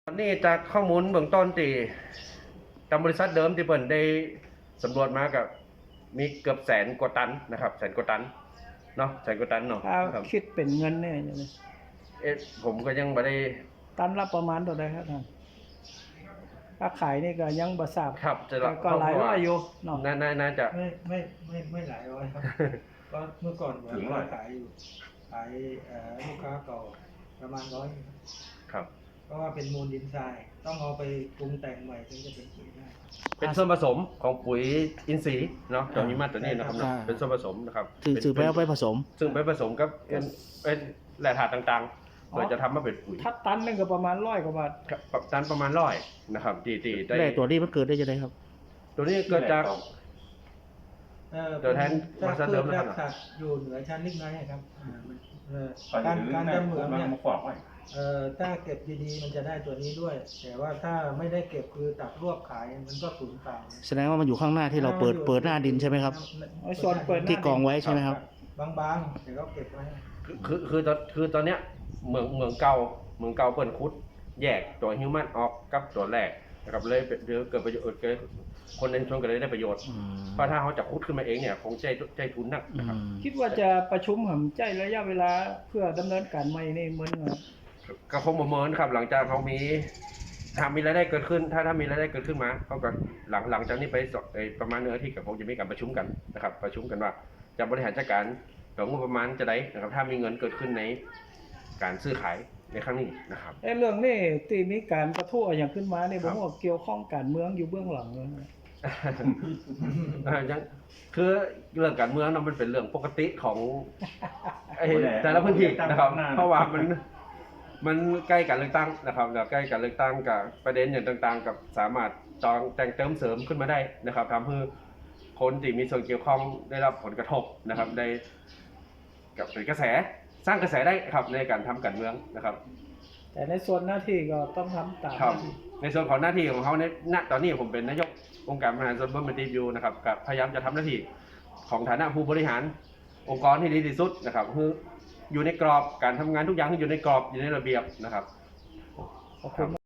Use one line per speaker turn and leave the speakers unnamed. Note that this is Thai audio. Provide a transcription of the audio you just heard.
ตอนนี้จากข้อมูลเบื้องต้นที่ทางบริษัทเดิมที่เปิ่นได้สำรวจมากับมีเกือบแสนกว่าตันนะครับแสนกว่าตันเนาะแสนกว่าตันเนาะ
ถ้า
ครับ
คิดเป็นเงินเนี่ยอย่างนี้
ผมก็ยังไม่ได้
ตันละประมาณเท่าไหร่ครับท่านถ้าขายนี่ก็ยังบ่ทราบ
ครับจะ
แต่ก็หลายร้อยอยู่เนาะ
น่าจะ
ไม่หลายร้อยครับ ก็เมื่อก่อนผมก็ขายอยู่ขายลูกค้าเก่าประมาณร้อย
ครับ
เพราะว่าเป็นมูลดินทรายต้องเอาไปปรุงแต่งใหม่ถึงจะเป็นปุ๋ยได้
เป็นส่วนผสมของปุ๋ยอินทรีย์เนาะตัวนี้มาตัวนี้นะครับ
อ่า
เป็นส่วนผสมนะครับ
ถือไปเอาไปผสม
ซึ่งไปผสมกับเป็นแร่ธาตุต่างๆเพื่อจะทำมาเป็นปุ๋ย
ถ้าตันนึงก็ประมาณ100 กว่าบาท
ครับตันประมาณ100นะครับตีได้
แร่ตัวนี้มันเกิดได้ยังไงครับ
ตัวนี้เกิดจาก ตัวแทนบริษัทเดิมนะครับ
รากสัตว์อยู่เหนือชั้นลิกไนท์ครับการทำเหมืองเนี่ยถ้าเก็บดีๆมันจะได้ตัวนี้ด้วย แต่ว่าถ้าไม่ได้เก็บคือตัดรวบขายมันก็สูญเปล่า
แสดงว่ามันอยู่ข้างหน้าที่เราเปิดหน้าดินใช่ไหมครับ
ไอ้ส่วนเปิดหน้า
ที่กองไว้ใช่ไหมครับ
บางๆแต่ก็เก็บไว้
คือตอนเนี้ยเมืองเก่าเปิ่นคุดแยกตัวฮิวแมนออกกับตัวแรกนะครับเลยเกิดประโยชน์เกิดคนในชุมชนก็เลยได้ประโยชน์ เพราะถ้าเขาจะคุดขึ้นมาเองเนี่ยคงใจทุนนักนะครับ
คิดว่าจะประชุมหำใจระยะเวลาเพื่อดำเนินการใหม่นี่เหมือนกัน
ก็คงประเมินครับหลังจากเขามีถ้ามีรายได้เกิดขึ้นถ้ามีรายได้เกิดขึ้นมาเขาก็หลังจากนี้ไปประมาณ1 อาทิตย์ก็คงจะมีการประชุมกันนะครับประชุมกันว่าจะบริหารจัดการงบประมาณจะได้นะครับถ้ามีเงินเกิดขึ้นในการซื้อขายในครั้งนี้นะครับ
ไอ้เรื่องนี้ที่มีการประท้วงอย่างขึ้นมาเนี่ย
ค
ผ
รับ
มว่าเกี่ยวข้องการเมืองอยู่เบื้องหลังเลยนะ
ยังคือเรื่องการเมืองนั้นมันเป็นเรื่องปกติของแต่ละพื้นที่นะครับเพราะว่ามันใกล้การเลือกตั้งนะครับแล้วใกล้การเลือกตั้งกับประเด็นอย่างต่างๆ กับสามารถแต่งเติมเสริมขึ้นมาได้นะครับทำให้คนที่มีส่วนเกี่ยวข้องได้รับผลกระทบนะครับได้กับเป็นกระแสสร้างกระแสได้ครับในการทำการเมืองนะครับ
แต่ในส่วนหน้าที่ก็ต้องทำตาม
ครับ
หน้าที่
ในส่วนของหน้าที่ของเขาในณตอนนี้ผมเป็นนายกองค์การบริหารส่วนตำบลมันตีอยู่นะครับกับพยายามจะทำหน้าที่ของฐานะผู้บริหารองค์กรที่ดีที่สุดนะครับคืออยู่ในกรอบการทำงานทุกอย่างที่อยู่ในกรอบอยู่ในระเบียบนะครับ
ขอบคุณ